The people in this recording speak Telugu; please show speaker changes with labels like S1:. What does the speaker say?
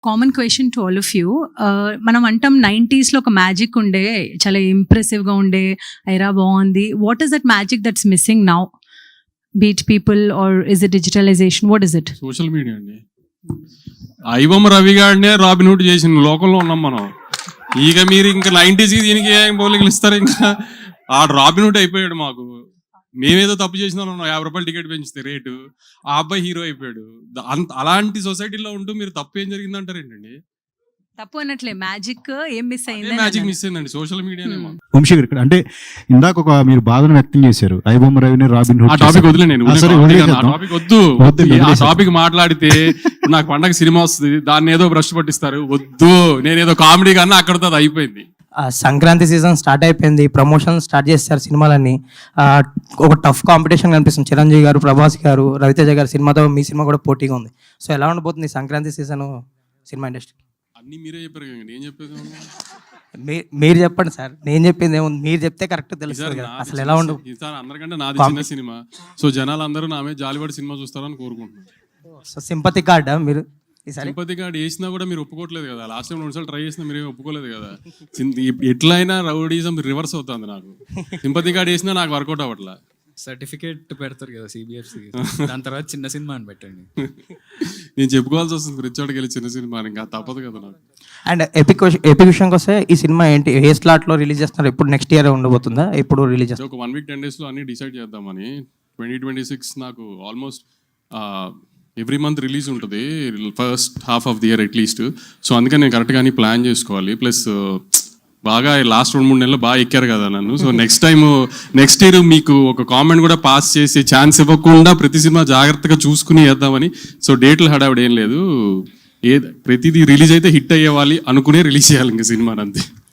S1: Common question to all of you. మనం అంటాం 90s లో ఒక మ్యాజిక్ ఉండే, చాలా ఇంప్రెసివ్గా ఉండే, ఐరా బాగుంది. What is that magic that's missing now? Beat people are is it digitalization? What is it?
S2: Social media అండి. ఐబొమ్మ రవి గారినే రాబిన్ హుడ్ చేసిన లోకంలో ఉన్నాం మనం. ఇక మీరు ఇంకా 90s దీనికి ఏం పోలికలు ఇస్తారు? ఇంకా ఆ రాబిన్ హుడ్ అయిపోయాడు మాకు. మేమేదో తప్పు చేసిన 50 రూపాయలు టికెట్ పెంచితే రేటు, ఆ అబ్బాయి హీరో అయిపోయాడు. అలాంటి సొసైటీలో ఉంటూ మీరు తప్పు ఏం జరిగింది అంటారు ఏంటండి?
S1: తప్పు అన్నట్లే, మ్యాజిక్ ఏం మిస్ అయింది?
S2: మ్యాజిక్ మిస్ అయిందండి సోషల్ మీడియానే.
S3: వంశీ గారు ఇక్కడ అంటే ఇందాక ఒక మీరు బాధను వ్యక్తం చేశారు, ఐబొమ్మ రవిని రాబిన్ హుడ్.
S2: ఆ టాపిక్ వదిలే, నేను టాపిక్ వద్దు. ఆ టాపిక్ మాట్లాడితే నాకు పండగ సినిమా వస్తుంది, దాన్ని ఏదో బ్రష్ పట్టిస్తారు. వద్దు, నేనేదో కామెడీ కన్నా అక్కడతో అది అయిపోయింది.
S4: సంక్రాంతి సీజన్ స్టార్ట్ అయిపోయింది, ప్రమోషన్ స్టార్ట్ చేస్తారు సినిమాలన్నీ. ఒక టఫ్ కాంపిటీషన్ కనిపిస్తుంది. చిరంజీవి గారు, ప్రభాస్ గారు, రవితేజ గారు సినిమాతో మీ సినిమా కూడా పోటీగా ఉంది. సో ఎలా ఉండబోతుంది సంక్రాంతి సీజన్ సినిమా ఇండస్ట్రీ?
S2: అన్ని మీరే చెప్పారు కదా, నేను చెప్పేది
S4: మీరు చెప్పండి సార్, నేను చెప్పింది ఏముంది, మీరు చెప్తే కరెక్ట్ తెలుస్తుంది కదా అసలు ఎలా ఉండదు.
S2: ఈసారి అందరికంటే నాది చిన్న సినిమా, సో జనాలు అందరూ నా మీద జాలిపడి సినిమా చూస్తారని కోరుకుంటున్నాను.
S4: సో సింపతి కార్డా మీరు?
S2: సింపతి కార్డ్ వేసినా కూడా మీరు ఒప్పుకోవట్లేదు కదా. లాస్ట్ టైం 2 సార్లు ట్రై చేసినా మీరు ఒప్పుకోలేదు కదా. ఎట్లయినా రౌడీజం రివర్స్ అవుతుంది నాకు. సింపతి కార్డ్ వేసినా నాకు వర్కౌట్ అవ్వట్లా.
S5: సర్టిఫికేట్ పెడతారు కదా సిబిఎఫ్సి, దాని తర్వాత చిన్న సినిమా అని పెట్టండి.
S2: నేను చెప్పుకోవాల్సి వస్తుంది రిచోడ్కి వెళ్ళి చిన్న సినిమా అని, ఇంకా తప్పదు కదా నాకు.
S4: అండ్ ఎపిక్ విషయంకి వస్తే ఈ సినిమా ఏంటి, ఏ స్లాట్లో రిలీజ్ చేస్తున్నారు? ఎప్పుడు నెక్స్ట్ ఇయర్ ఉండబోతుందా? ఎప్పుడు రిలీజ్ చేస్తారు?
S2: ఒక 1 వీక్ 10 డేస్లో అన్ని డిసైడ్ చేద్దామని. 2026 నాకు ఆల్మోస్ట్ ఎవ్రీ మంత్ రిలీజ్ ఉంటుంది, first half of the year at least. So అందుకని నేను కరెక్ట్గా అన్ని ప్లాన్ చేసుకోవాలి. ప్లస్ బాగా లాస్ట్ 2-3 నెలలు బాగా ఎక్కారు కదా నన్ను. సో నెక్స్ట్ ఇయర్ మీకు ఒక కామెంట్ కూడా పాస్ చేసే ఛాన్స్ ఇవ్వకుండా ప్రతి సినిమా జాగ్రత్తగా చూసుకుని వేద్దామని. సో డేట్లు హడావిడ ఏం లేదు, ప్రతిదీ రిలీజ్ అయితే హిట్ అయ్యేవాలి అనుకునే రిలీజ్ చేయాలి ఇంకా సినిమాని, అంతే.